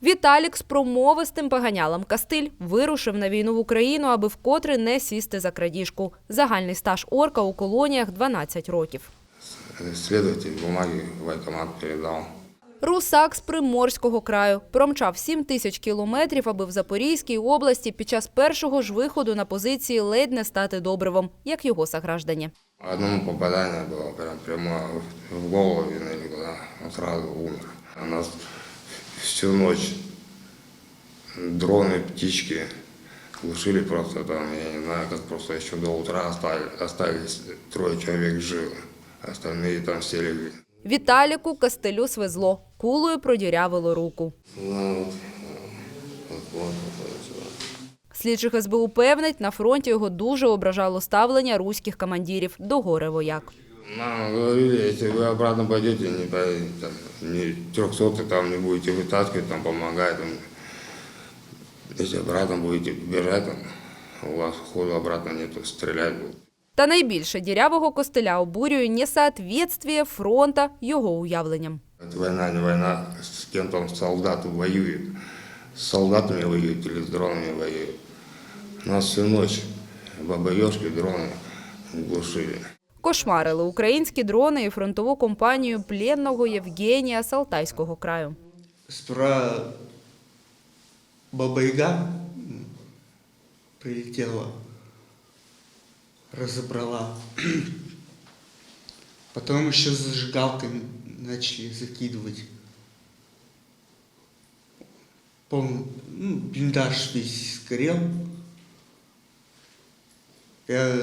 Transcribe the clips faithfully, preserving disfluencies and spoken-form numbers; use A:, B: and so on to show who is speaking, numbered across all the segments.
A: Віталік з промовистим поганялом Кастиль вирушив на війну в Україну, аби вкотре не сісти за крадіжку. Загальний стаж орка у колоніях – дванадцять років.
B: Слідуватель бумаги в воєнкомат передав.
A: Русак з Приморського краю промчав сім тисяч кілометрів, аби в Запорізькій області під час першого ж виходу на позиції ледь не стати добривом, як його сограждані.
B: Одному попадання було прямо, прямо в голову, він одразу умер. У нас всю ніч дрони, птички глушили просто там, я не знаю, як просто ще до утра остались троє чоловік живі, остальні там всі легли.
A: Віталіку Кастилю свезло, кулею продірявило руку. Слідчих ес бе у певнить, на фронті його дуже ображало ставлення руських командирів до горе-вояк.
B: Нам говорили, якщо ви обратно пойдете, не поедете, там, не трехсотый там не будете вытаскивать, там помогать, там, если обратно будете бежать, там, у вас ходу обратно нету, стрелять будут.
A: Та найбільше дірявого Костиля обурює несоответствие фронта його уявленням.
B: Война не война, с кем там солдаты воюют. С солдатами воюют или с дронами воюют. Нас всю ночь бабаёшки, дроны глушили.
A: Кошмарили українські дрони і фронтову компанію пленного Євгенія з Алтайського краю.
C: Сперва Баба-Яга прилетела, разобрала. Потом еще зажигалками начали закидывать. Полный, ну, блиндаж весь сгорел. Я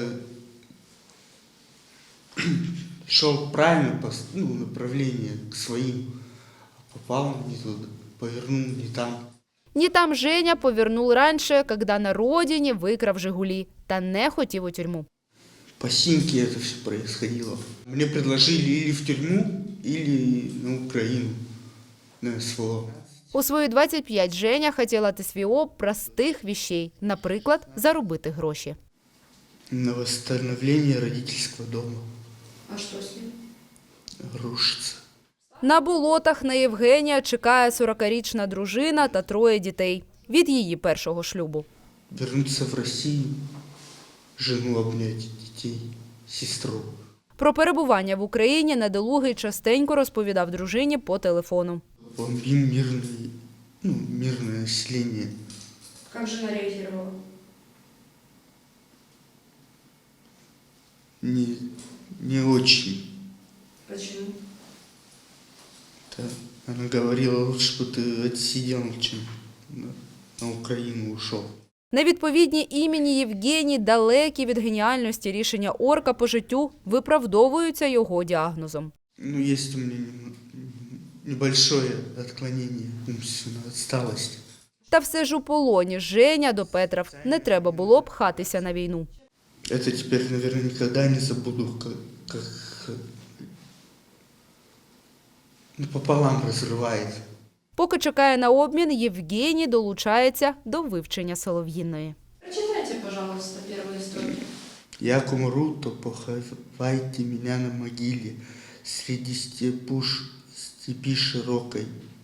C: шел правильно по ну, направлению к своим, а попал не туда, повернул не там.
A: Ні там Женя повернув раніше, коли на родині викрав «Жигулі» та не хотів у тюрму.
C: По синьке это все происходило. Мне предложили или в тюрьму, или на Украину, на СВО.
A: У свої двадцять п'ять Женя хотіла ТСВО простих вещей, наприклад, заробити гроші.
C: На восстановление родительского дома.
D: А что с ним?
C: Рушится.
A: На болотах на Євгенія чекає сорокарічна дружина та троє дітей від її першого шлюбу.
C: Вернуться в Россию, жену обнять, детей, сестру.
A: Про перебування в Україні недолугий частенько розповідав дружині по телефону.
C: Бомбим мирное, ну, мирное население.
D: Как жена реагировала?
C: Не, не очень.
D: Почему?
C: Да. Она говорила, лучше бы ты отсидел, чем на, на Украину ушел.
A: Невідповідні імені Євгеній, далекі від геніальності рішення орка по життю, виправдовуються його діагнозом.
C: Ну, есть у меня небольшое отклонение, умственная отсталость.
A: Та все ж у полоні Женя допетрав, не треба було б пхатися на війну.
C: Это теперь, наверное, никогда не забуду, как, как ну, пополам разрывает.
A: Поки чекає на обмін, Євгеній долучається до вивчення Солов'їної.
D: Прочитайте, пожалуйста, первые строки.
C: Як умру, то поховайте меня на могиле среди степуш, степи широкой.